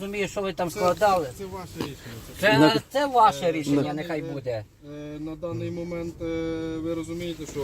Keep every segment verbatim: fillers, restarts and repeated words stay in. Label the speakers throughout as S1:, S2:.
S1: розумію, що ви там складали.
S2: Це, це ваше рішення. Це,
S1: Це, це ваше рішення, нехай буде.
S2: Е, На даний момент е, ви розумієте, що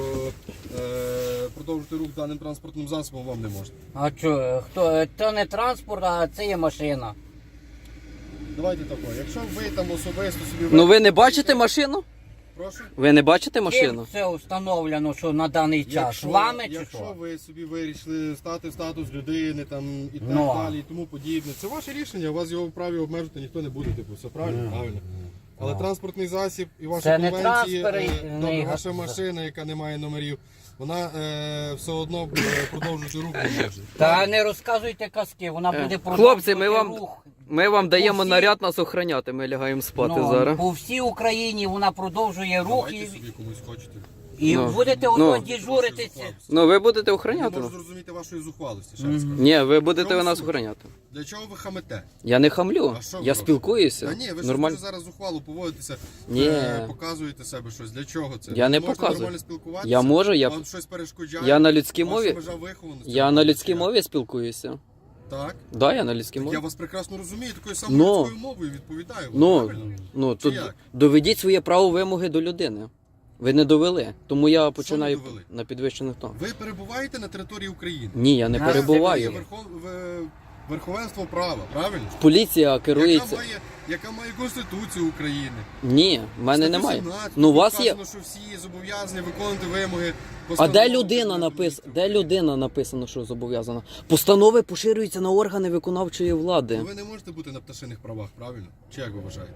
S2: е, продовжити рух даним транспортним засобом вам не можна.
S1: А що, хто, то не транспорт, а це є машина.
S2: Давайте тако, якщо ви там особисто собі...
S3: Ну ви не бачите машину?
S2: Прошу?
S3: Ви не бачите
S1: Ким
S3: машину?
S1: це встановлено, що на даний час?
S2: Якщо,
S1: Вами чи
S2: якщо
S1: що?
S2: ви собі вирішили стати в статус людини там, і так
S1: Ну.
S2: далі, і тому подібне, це ваше рішення, у вас його вправі обмежити ніхто не буде, типу, все правильно? Правильно. Але транспортний засіб і ваша
S1: Це не
S2: конвенція,
S1: транспорт,
S2: е,
S1: не
S2: добре,
S1: га-
S2: ваша машина, яка не має номерів, вона е, все одно е, продовжуючи рух не може.
S1: Та не розказуйте казки, вона буде
S3: Е,
S1: продовжувати
S3: Хлопці, ми вам,
S1: рух.
S3: ми вам даємо
S1: всі-
S3: наряд нас охороняти, ми лягаємо спати
S1: Ну,
S3: зараз.
S1: по всій Україні вона продовжує рух
S2: Давайте
S1: і,
S2: собі комусь хочете.
S1: і
S3: Ну,
S1: будете
S3: ну.
S1: ото дежуритися.
S3: Ну ви будете
S2: Я
S3: охороняти
S2: можу
S3: нас?
S2: зрозуміти вашої зухвалості, ще раз скажу.
S3: Ні, ви будете
S2: Чому
S3: нас
S2: суть?
S3: охороняти.
S2: Для чого ви хамете?
S3: Я не хамлю,
S2: А що ви
S3: я
S2: робите?
S3: спілкуюся.
S2: Та ні, ви ж
S3: Нормально.
S2: дуже зараз зухвало поводитеся,
S3: Ні.
S2: е, показуєте себе щось. Для чого це?
S3: Я
S2: Ви
S3: не
S2: можете
S3: показую.
S2: нормально спілкуватися?
S3: Я можу, я-
S2: Вам щось перешкоджає?
S3: Я на людській
S2: Ваша
S3: мові.
S2: межа вихованості?
S3: Я на людській мові спілкуюся.
S2: Так.
S3: Да, я на людській
S2: Так я
S3: мові.
S2: вас прекрасно розумію, такою самою
S3: Ну.
S2: людською мовою відповідаю. вам,
S3: Ну,
S2: правильно?
S3: ну
S2: Чи
S3: тут
S2: як?
S3: доведіть своє право вимоги до людини. Ви не довели, тому я починаю
S2: довели?
S3: на підвищених тон.
S2: Ви перебуваєте на території України.
S3: Ні, я не
S1: А,
S2: Є
S3: перебуваю.
S2: верхов... в- Верховенство права, правильно?
S3: Поліція
S2: Яка
S3: керується.
S2: має, яка має Конституцію України.
S3: Ні, в мене
S2: Статтю
S3: немає.
S2: сімнадцять,
S3: Ну у вас є.
S2: вказано, що всі зобов'язані виконувати вимоги.
S3: А
S2: постанови
S3: де людина
S2: Кабінету
S3: написана? Де
S2: Міністрів.
S3: людина написано, що зобов'язана? Постанови поширюються на органи виконавчої влади.
S2: Ну, ви не можете бути на пташиних правах, правильно? Чи як ви вважаєте?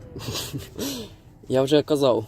S3: Я вже казав.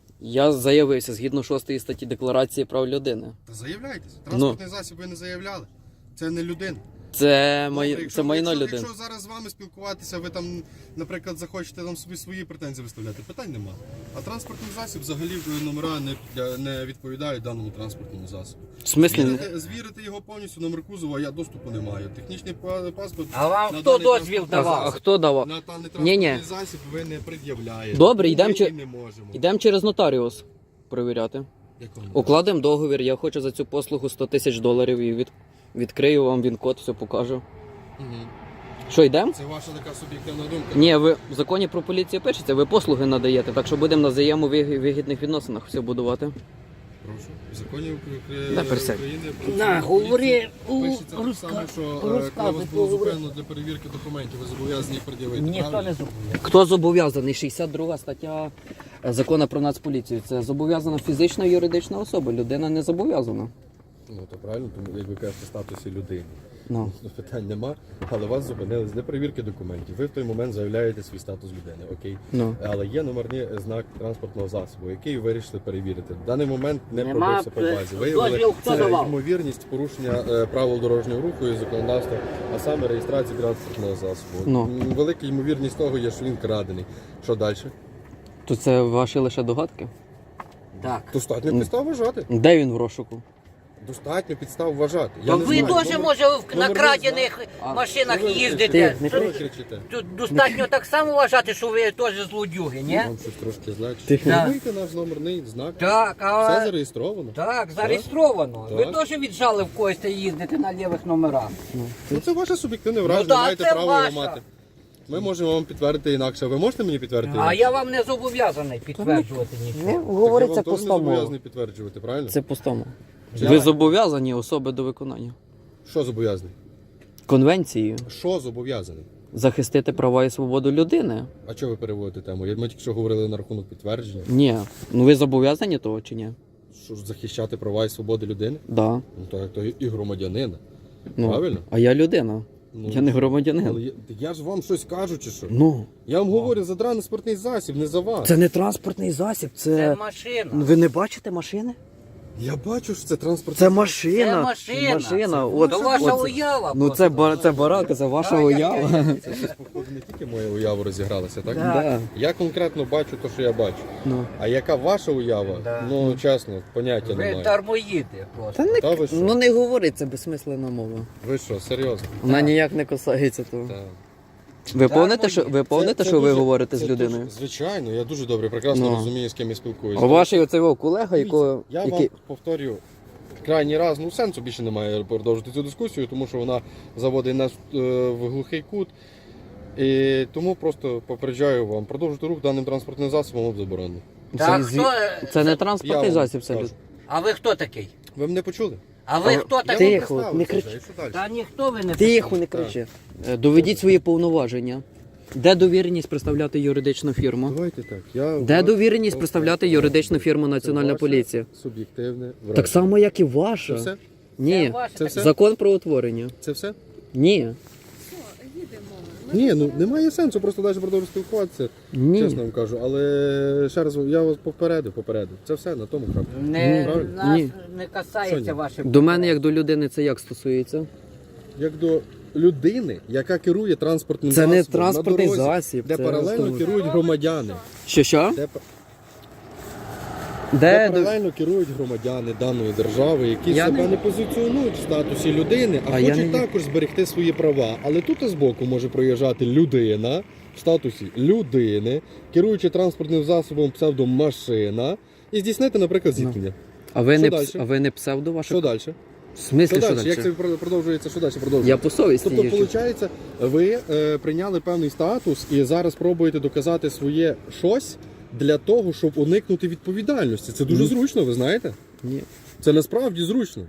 S3: Я заявився згідно шостої статті Декларації прав людини.
S2: Та заявляйтесь.
S3: Ну.
S2: Транспортний засіб ви не заявляли. Це не людина.
S3: Це,
S2: Добре,
S3: май...
S2: якщо-
S3: це майно
S2: якщо,
S3: людини.
S2: Якщо зараз з вами спілкуватися, ви там, наприклад, захочете там собі свої претензії виставляти, питань нема. А транспортний засіб взагалі номера не, для- не відповідають даному транспортному засобу.
S3: В смислі?
S2: Звірити, звірити його повністю номер кузова, я доступу не маю. Технічний па- паспорт.
S1: А вам
S2: на
S1: хто
S2: даний
S1: дозвіл
S2: транспортний
S1: давав?
S3: А
S2: засіб-
S3: хто давав?
S2: На даний
S3: Ні-ні.
S2: транспортний засіб ви не пред'являєте.
S3: Добре,
S2: Ми
S3: йдемо
S2: і
S3: чи-
S2: не можемо.
S3: Йдемо через нотаріус перевіряти.
S2: Якому?
S3: Укладемо договір, я хочу за цю послугу сто тисяч доларів і від... відкрию вам він-код, все покажу.
S2: Мгм.
S3: Що, йдемо?
S2: Це ваша така суб'єктивна думка.
S3: Ні, ви в законі про поліцію пишеться, ви послуги надаєте, так що будемо на взаємовигідних відносинах все будувати.
S2: Прошу. В законі Укра-
S3: Да, присядь.
S2: України про
S1: На,
S2: поліцію
S1: говори, у,
S2: пишеться так
S1: розка-
S2: само, що е,
S1: розказуй,
S2: коли вас було
S1: поговори.
S2: зупинено для перевірки документів, ви зобов'язані їх пред'явити.
S1: Ніхто
S2: правильно?
S1: не зупиняє.
S3: Хто зобов'язаний? шістдесят друга стаття е, закону про нацполіцію. Це зобов'язана фізична і юридична особа. Людина не зобов'язана.
S2: Ну то правильно, тому як ви кажете, в статусі людини.
S3: Ну.
S2: Ну, питань нема, але вас зупинили для перевірки документів. Ви в той момент заявляєте свій статус людини, окей.
S3: Ну.
S2: Але є номерний знак транспортного засобу, який ви вирішили перевірити. В даний момент не
S1: Нема,
S2: пробився по
S1: е,
S2: базі. Виявили
S1: дозвіл хто
S2: це
S1: давав?
S2: ймовірність порушення е, правил дорожнього руху і законодавства, а саме реєстрації транспортного засобу.
S3: Ну.
S2: М, Велика ймовірність того є, що він крадений. Що далі?
S3: То це ваші лише догадки?
S1: Так.
S2: Достатньо підстав вважати.
S3: Де він в розшуку?
S2: Достатньо підстав вважати.
S1: То
S2: не
S1: ви
S2: знаю,
S1: теж,
S2: номер-
S1: може, в
S2: номерний
S1: накрадених
S2: знак.
S1: машинах
S2: Що ви
S1: їздите.
S2: кричите?
S3: не
S2: Що ви
S3: кричи.
S2: кричите?
S1: Тут достатньо так само вважати, що ви теж злодюги, ні?
S2: Вам щось трошки значить.
S3: Тихо.
S2: Фіксуйте наш номерний знак.
S1: Так,
S2: Все
S1: а...
S2: зареєстровано.
S1: Так, зареєстровано.
S2: Так.
S1: Ви теж віджали в когось та їздите на лівих номерах.
S2: Ну, це ваше суб'єктивне враження,
S1: да,
S2: маєте
S1: це
S2: право
S1: ваша.
S2: його мати. Ми можемо вам підтвердити інакше. Ви можете мені підтвердити?
S1: А
S2: інакше?
S1: я вам не зобов'язаний підтверджувати
S3: Не
S1: нічого.
S2: Так я
S3: говориться
S2: вам
S3: по
S2: теж не
S3: стому.
S2: зобов'язаний підтверджувати, правильно?
S3: Це по стому.
S2: Чи
S3: Ви
S2: як?
S3: зобов'язані особи до виконання.
S2: Що зобов'язаний?
S3: Конвенцією
S2: Що зобов'язаний?
S3: захистити права і свободу людини.
S2: А чого ви переводите тему? Я- Ми тільки що говорили на рахунок підтвердження.
S3: Ні. Ну ви зобов'язані того чи ні?
S2: Що ж захищати права і свободи людини?
S3: Да.
S2: Ну то як то і громадянина.
S3: Ну,
S2: Правильно?
S3: А я людина.
S2: Ну,
S3: Я не громадянин.
S2: Але я, я ж вам щось кажу, чи що?
S3: Ну.
S2: Я вам говорю за транспортний засіб, не за вас.
S3: Це не транспортний засіб,
S1: Це
S3: це.
S1: машина.
S3: Ви не бачите машини?
S2: Я бачу, що це транспортний
S3: Це
S2: засіб.
S3: машина.
S1: Це машина.
S3: Машина.
S1: Це
S3: От,
S1: ваша
S3: от.
S1: уява.
S3: Ну це, ба- це барака, це ваша
S1: Ай,
S3: уява.
S1: ай,
S2: Це щось, походу, не тільки моя уява розігралася, так?
S1: Да.
S3: Да.
S2: Я конкретно бачу те, що я бачу.
S3: Ну.
S2: А яка ваша уява?
S1: Да.
S2: Ну, чесно, поняття
S1: Ви
S2: немає.
S1: дармоїди просто.
S3: Та не,
S2: Та ви що?
S3: ну не говори, це безсмислена мова.
S2: Ви що, серйозно?
S3: Вона ніяк не косається того.
S2: Так.
S3: Ви
S1: Да,
S3: помните,
S1: мої.
S3: що ви помните,
S2: Це- це
S3: що ви
S2: дуже-
S3: говорите
S2: це
S3: з людиною?
S2: дуже- звичайно, я дуже добре, прекрасно
S3: Ну.
S2: розумію, з ким я спілкуюся.
S3: А ваш оцей його колега, якого.
S2: Я
S3: який...
S2: вам повторюю, крайній раз, ну сенсу більше немає продовжити цю дискусію, тому що вона заводить нас е, в глухий кут. І тому просто попереджаю вам, продовжити рух даним транспортним засобом об заборонено.
S1: Так,
S3: Це,
S1: хто,
S3: це не
S2: Я
S3: транспортний
S2: вам
S3: засіб, це
S2: кажу.
S3: люд.
S1: а ви хто такий?
S2: Ви мене почули?
S1: А ви
S3: А,
S1: хто
S2: Я
S1: такий?
S2: вам
S3: Тихо,
S2: представився
S3: не
S2: вже,
S3: кричи.
S2: і що далі?
S1: Та ніхто ви не
S3: Тихо, не кричи. Е, Доведіть свої повноваження. Де довіреність представляти юридичну фірму?
S2: Давайте так. Я
S3: Де довіреність представляти юридичну фірму Національна поліція?
S2: Суб'єктивне враження.
S3: Так само, як і
S2: Це
S3: ваша.
S2: все?
S1: Це
S3: Ні.
S1: ваше
S2: Це
S1: таке.
S2: все?
S3: Закон про утворення.
S2: Це все?
S3: Ні.
S2: Ні, ну немає сенсу, просто далі продовжувати спілкуватися,
S3: Ні.
S2: чесно вам кажу. Але ще раз я вас попередив, попередив. Це все на тому крапку.
S1: Не,
S2: Правильно?
S1: нас
S3: Ні.
S1: не касається
S2: Соня,
S1: ваше.
S3: До мене, як до людини, це як стосується?
S2: Як до людини, яка керує транспортним
S3: Це
S2: засобом
S3: не транспортний
S2: на дорозі,
S3: засіб.
S2: де
S3: це
S2: паралельно
S3: авто-
S2: керують громадяни.
S3: Що що?
S2: Де,
S3: Де,
S2: де
S3: до-
S2: паралельно керують громадяни даної держави, які
S3: Я
S2: себе
S3: не-
S2: не... позиціонують в статусі людини, а,
S3: А я
S2: хочуть
S3: не-
S2: також зберегти свої права. Але тут збоку може проїжджати людина в статусі людини, керуючи транспортним засобом псевдомашина, і здійснити, наприклад,
S3: Ну.
S2: зіткнення.
S3: А ви
S2: Що
S3: не
S2: далі?
S3: пс- а ви не псевдо ваше?
S2: Що далі?
S3: В смислі,
S2: Що
S3: що
S2: далі?
S3: далі?
S2: Як це про- продовжується? Що далі продовжується?
S3: Я по совісті
S2: Тобто,
S3: їжджу.
S2: виходить, ви е, прийняли певний статус і зараз пробуєте доказати своє щось для того, щоб уникнути відповідальності. Це дуже
S3: Ні.
S2: зручно, ви знаєте?
S3: Ні.
S2: Це насправді зручно.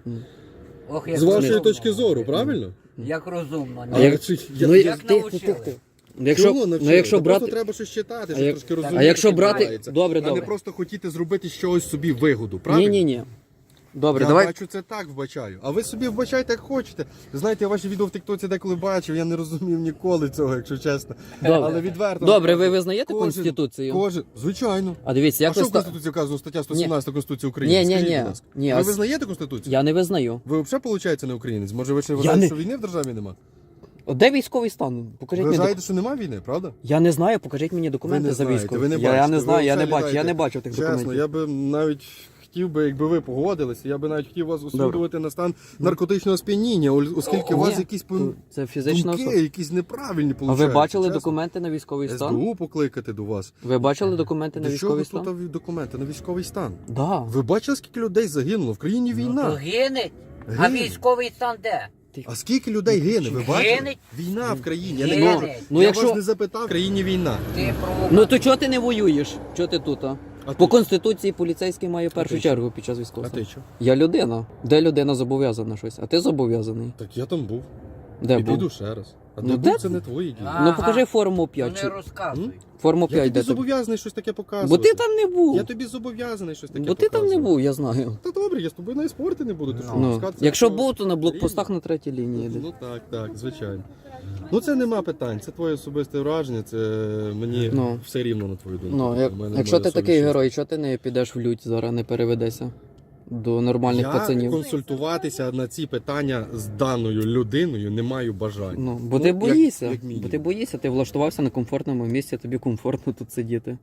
S1: Ох, як
S2: З вашої
S1: розумно.
S2: точки зору, правильно?
S1: Як розумно.
S3: А як-
S2: чи-
S3: Ну,
S2: я-
S3: я-
S1: як
S3: тихо,
S1: навчили?
S3: тихо, тихо. Ну, якщо,
S2: Чого
S3: ну,
S2: навчили?
S3: якщо
S2: Та
S3: брати...
S2: просто треба щось читати,
S3: А
S2: щоб
S3: як-
S2: трошки
S3: а
S2: розуміти,
S3: якщо
S2: що
S3: брати-
S2: відбувається.
S3: добре,
S2: а не
S3: добре.
S2: просто хотіти зробити з чогось собі вигоду, правильно?
S3: Ні, ні, ні. Добре,
S2: Я
S3: давай.
S2: бачу це так вбачаю. А ви собі вбачайте, як хочете. Знаєте, я ваші відео в Тіктоці деколи бачив, я не розумів ніколи цього, якщо чесно.
S3: Добре.
S2: Але відверто.
S3: Добре, ви визнаєте
S2: Кожен-
S3: Конституцію?
S2: Кожен, звичайно.
S3: А дивіться,
S2: А
S3: як
S2: що
S3: ви
S2: в
S3: ста...
S2: Конституції вказано? Стаття сто сімнадцята Конституції України.
S3: Ні, ні,
S2: Скажіть,
S3: ні.
S2: будь ласка.
S3: Ні,
S2: Ви
S3: а-
S2: визнаєте Конституцію?
S3: Я не визнаю.
S2: Ви взагалі, виходить, не українець? Може, ви ще
S3: Я
S2: вважаєте,
S3: не-
S2: що війни в державі нема?
S3: От де військовий стан? Покажіть
S2: Ви
S3: мені
S2: вважаєте,
S3: док...
S2: що нема війни, правда?
S3: Я не знаю, покажіть мені документи
S2: Ви не
S3: за
S2: знаєте,
S3: військовий.
S2: ви не
S3: я, я
S2: бачите,
S3: не
S2: ви
S3: знаю, я не
S2: взагалі
S3: бачу, я
S2: знаєте.
S3: не бачу тих
S2: Чесно,
S3: документів.
S2: я би навіть хотів би, якби ви погодилися, я би навіть хотів вас осудувати на стан наркотичного сп'яніння, оскільки у вас
S3: Ні,
S2: якісь
S3: то
S2: пом-
S3: це фізична
S2: думки,
S3: особа.
S2: якісь неправильні
S3: А ви
S2: получаються,
S3: бачили
S2: чесно.
S3: документи на військовий стан?
S2: СБУ покликати до вас.
S3: Ви бачили документи на
S2: До чого
S3: військовий стан?
S2: тут документи на військовий стан?
S3: Да.
S2: Ви бачили, скільки людей загинуло? В країні
S1: Ну, то
S2: війна.
S1: гине. А
S2: Гине.
S1: військовий стан де?
S2: А скільки людей гине? Ви бачили?
S1: Гине.
S2: Війна в країні. Я не
S1: Гине.
S2: кажу.
S3: Ну,
S2: я
S3: якщо-
S2: вас не запитав, в країні війна.
S1: Ти провокатор.
S3: Ну то чого ти не воюєш? Чого ти тут? А?
S2: А
S3: По
S2: ти?
S3: Конституції поліцейський має в першу
S2: ти
S3: чергу під час
S2: А
S3: військового
S2: ти
S3: стану.
S2: що?
S3: Я людина. Де людина зобов'язана щось? А ти зобов'язаний?
S2: Так я там був.
S3: Де
S2: І
S3: був?
S2: піду ще раз. А
S3: Ну,
S2: де
S3: де
S2: був, це
S3: ти?
S2: не твої дії.
S1: А.
S3: Ну покажи форму
S1: Ну,
S3: п'ять.
S1: не
S3: чи-
S1: розказуй.
S3: Форму
S2: Я
S3: п'ять,
S2: тобі
S3: де тобі?
S2: зобов'язаний щось таке
S3: Бо
S2: показувати.
S3: ти там не був.
S2: Я тобі зобов'язаний щось таке
S3: Бо ти там не
S2: показувати.
S3: був, я знаю.
S2: Та добре, я з тобою навіть спорти не буду. Ти що,
S3: Ну,
S2: пускатися
S3: якщо
S2: по-
S3: був, то на блокпостах на третій лінії. йди.
S2: Ну так, так, звичайно. Ну це нема питань, це твоє особисте враження, це мені
S3: Ну.
S2: все рівно на твою думку.
S3: Ну, як,
S2: У мене
S3: якщо
S2: моя
S3: ти
S2: совість
S3: такий
S2: чиста.
S3: герой, чого ти не підеш в лють зараз, не переведешся до нормальних
S2: Я
S3: пацанів?
S2: консультуватися на ці питання з даною людиною не маю бажання.
S3: Ну, бо
S2: Ну,
S3: ти
S2: як-
S3: боїшся.
S2: як мінімум.
S3: бо ти боїшся, ти влаштувався на комфортному місці, тобі комфортно тут сидіти.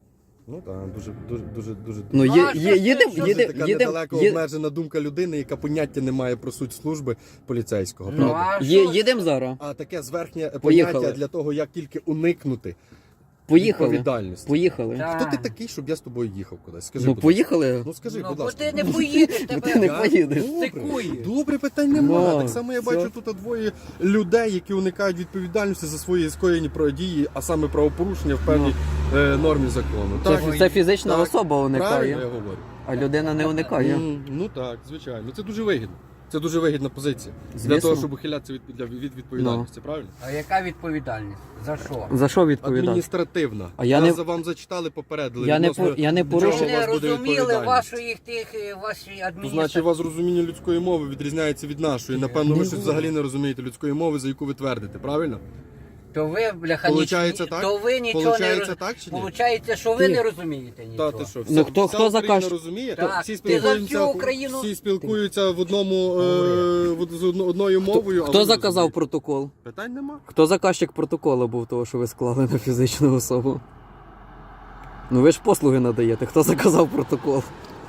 S2: Ну так, дуже, дуже, дуже, дуже.
S3: Ну,
S1: Ну,
S3: є,
S1: а
S3: є,
S1: що
S3: їдем,
S1: ти- що
S2: Це
S3: їдем,
S2: така
S3: їдем,
S2: недалеко
S3: є-
S2: обмежена думка людини, яка поняття не має про суть служби поліцейського,
S1: Ну,
S2: правда?
S1: а
S3: є-
S1: що?
S3: їдем зараз.
S2: А таке зверхнє
S3: Поїхали.
S2: поняття для того, як тільки уникнути
S3: Поїхали.
S2: відповідальності.
S3: Поїхали.
S1: Так.
S2: Хто ти такий, щоб я з тобою їхав кудись? Скажи,
S3: Ну
S2: будь ласка.
S3: поїхали.
S2: Ну скажи,
S1: Ну,
S2: будь
S1: бо
S2: ласка.
S1: ти не поїдеш,
S3: Бо
S1: тебе
S3: ти не
S2: Я?
S3: поїдеш.
S2: Добре.
S1: стикує.
S2: Добре, питань немає.
S3: Ну,
S2: так само я
S3: все.
S2: бачу тут двоє людей, які уникають відповідальності за свої скоєні дії, а саме правопорушення в певній е, нормі закону.
S3: Це,
S2: Так,
S3: це фізична
S2: так.
S3: особа
S2: правильно
S3: уникає,
S2: я говорю.
S3: а людина не уникає.
S2: М, Ну так, звичайно. Це дуже вигідно. Це дуже вигідна позиція. Для
S3: Звісно.
S2: того, щоб ухилятися від, для- від відповідальності, правильно?
S1: А яка відповідальність? За що?
S3: За що відповідати?
S2: Адміністративна.
S3: А я
S2: Нас
S3: не-
S2: за вам зачитали, попередили.
S3: Я не
S2: відносно
S3: по- я не
S2: чого
S3: порушив-
S2: у
S1: Щоб
S2: вас
S1: не
S2: буде
S1: розуміли
S2: відповідальність.
S1: вашої тих е, вашої
S2: То, значить,
S1: адміністрації.
S2: у вас розуміння людської мови відрізняється від нашої. Напевно, ви
S3: Не
S2: щось
S3: буде.
S2: взагалі не розумієте людської мови, за яку ви твердите, правильно?
S1: То ви, бляха,
S2: Получається
S1: ніч-
S2: так?
S1: то ви нічого
S2: Получається
S1: не роз...
S2: так чи ні?
S1: Получається, що ви
S3: Ні.
S1: не розумієте нічого.
S2: Та ти що,
S3: Ну, хто-
S2: вся
S3: хто
S2: Україна
S3: закаже-
S2: розуміє?
S1: Так,
S2: всі
S1: ти за
S2: спілкуються,
S1: всю Україну-
S2: всі спілкуються в одному е, в- з одно- одною мовою. а
S3: Хто
S2: ви не
S3: заказав
S2: розумієте.
S3: протокол?
S2: Питань нема.
S3: Хто заказчик протоколу був того, що ви склали на фізичну особу? Ну ви ж послуги надаєте. Хто заказав протокол?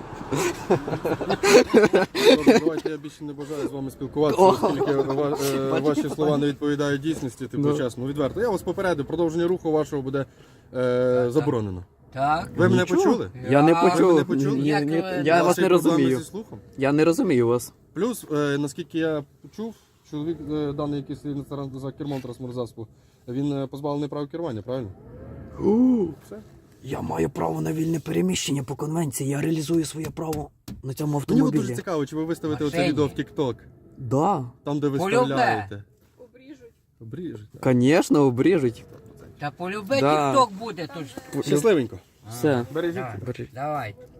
S2: Добре, давайте я більше не бажаю з вами спілкуватися,
S3: О,
S2: оскільки ва- е,
S3: бачите,
S2: ваші слова не відповідають дійсності, типу
S3: Ну.
S2: чесно, відверто. Я вас попередив, продовження руху вашого буде е, заборонено.
S1: Так.
S2: Ви мене
S3: Нічого.
S2: почули?
S3: Я не
S1: Я-
S3: почув.
S2: Ви мене почули?
S3: Ні,
S1: Як
S3: ні,
S1: ви-
S3: я
S2: У
S3: вас
S2: є
S3: не
S2: проблеми
S3: розумію.
S2: зі слухом?
S3: Я не розумію вас.
S2: Плюс, е, наскільки я почув, чоловік е, даний, який стоїть за кермом транспортного засобу, Він е, позбавлений права керування, правильно? Все.
S3: Я маю право на вільне переміщення по конвенції. Я реалізую своє право на цьому
S2: Мені от дуже
S3: автомобілі.
S2: цікаво, чи ви виставите оце
S1: Машині.
S2: відео в TikTok,
S3: Да,
S2: там, де виставляєте. Обріжуть. Обріжуть. так.
S3: звісно, обріжуть.
S1: Та полюби
S3: Да.
S1: тік-ток буде. То ж.
S2: Щасливенько.
S3: Все.
S2: Бережіть.
S1: Давай. Давай.